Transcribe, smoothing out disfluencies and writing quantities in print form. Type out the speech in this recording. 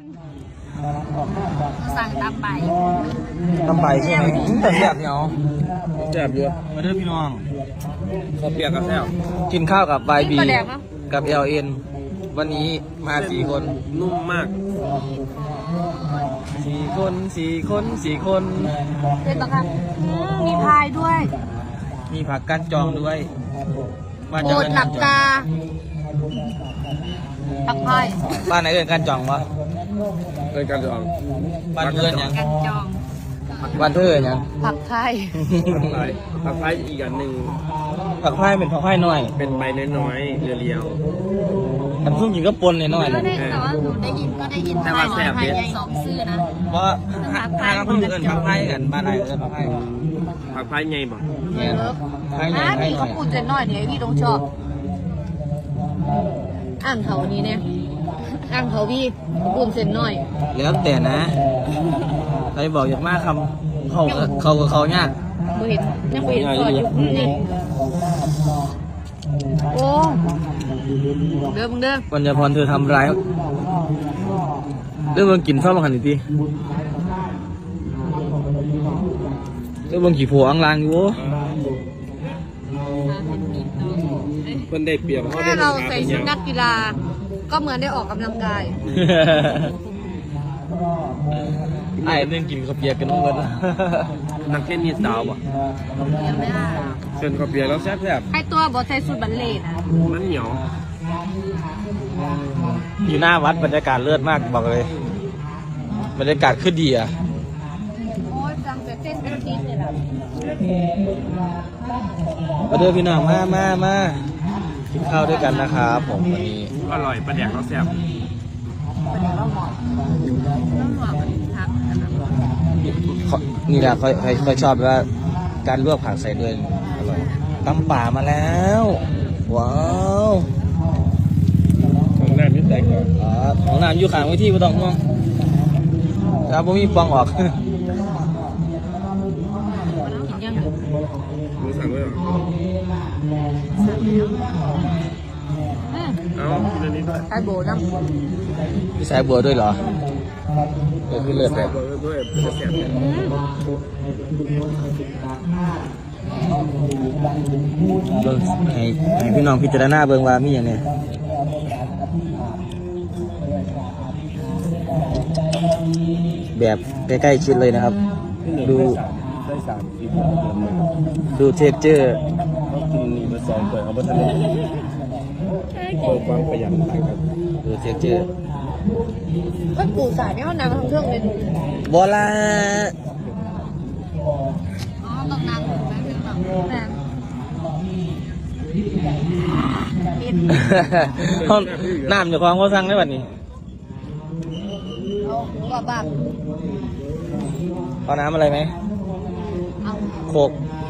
สั่งตามไปทำไปใช่ไหมแต่แซ่บเนี่ยเอาแซ่บเยอะมาเด้อพี่น้องข้าวเปียกกับแซ่บกินข้าวกับ YB ปลาแดกมั้งกับ LN วันนี้มา4 คนนุ่มมาก 4 คน 4 คน 4 คนเป็นปะคะมีพายด้วยมีผักก้านจองด้วยโอดหลับตาผักพายบ้านไหนเอ่ยก้านจองวะเป็นการจองบ้านเพื่อนยังกันจองบ้านเพื่อนยังผักไทยผักไผ่อีกอันหนึ่งผักไผ่เป็นผักไผ่น้อยเป็นใบน้อยๆเรียวทำซุ่มกินก็ปนน้อยๆก็นะได้แต่ว่าหนูได้ยินไทยไทยสองซื่อนะเพราะทางคนอื่นผักไผ่กันบ้านไหนเอ่ยผักไผ่ๆผักไผ่ไงบ่เนี่ยไผ่ใหญ่อ่ะไผ่พี่น้เขาอยพูดเจนหน่อยเนี่ยพี่ต้องชอบอ่างเขานี้เนี่ยอ่างเขาพี่พูดเจนหน่อยแล้วแต่นะใครบอกอยากมากคำเขากับเขายากบ่เห็นยังบ่เห็นซอยอยู่นี่โอ้เด้อมึงเด้อปัญญาพรเธอทำร้ายเรื่องมึงกินข้าวมาหันอีกทีเรื่องมึงขี่ผัวอังลางอยู่เพิ่นได้เปรียบถ้าเราใส่ชุดนักกีฬา ก็เหมือนได้ออกกำลังกายไอ้เรื่องกินข้าวเปียกกันน้องเงินนักเทนนิสสาวบ่ยังไม่ได้เชิญข้าวเปียกแล้วแซ่บให้ตัวบอใส่ชุดบัลเล่ต์นะๆมันเหนียวอยู่หน้าวัดบรรยากาศเลิศมากบอกเลยบรรยากาศคือดีอ่ะโอ้ยจังแต่เต้นเป็นทีมเลยล่ะมาเด้อพี่น้องมากินข้าวด้วยกันนะครับผมวันนี้อร่อยปลาแดกแล้วแซ่บประเดี๋ยวเราหมอนต้องหมอนทักนี่แหละค่อยชอบว่าการลวกผักใส่ด้วยอร่อยตำป่ามาแล้วว้าวของน้ำนิดแตกก่อนของน้ำอยู่ข้างไว้ที่ไม่ต้องห่วงครับผมมีปองออกกินยังมึงสั่งไว้เหรอเอากินอันนี้ด้วยไอโบน้ำมีสายบัวด้วยเหรอคือเลิศแซ่แบบบด้วยแซ่บเบิ่งให้พี่น้องพิจารณาเบิ่งว่ามีอย่างไงแบบใกล้ๆชิดเลยนะครับ ดูได้3กินดูเทคเจอร์เขากินนี่มา2ถ้วยเอาบ่ทันได้เปิดความประหยัดต่างกันดูเทคเจอร์ก็ปูสายไม่เอาน้ำมาทำเครื่องเลยบอลาอ๋อต้องน้ำถูกไหมเป็นแบบน้ห้องน้ำอยู่คลองเขาสั่งได้บัดนี้ำเอาหูกับบ้าเอาน้ำอะไรไหมเอาโคกเ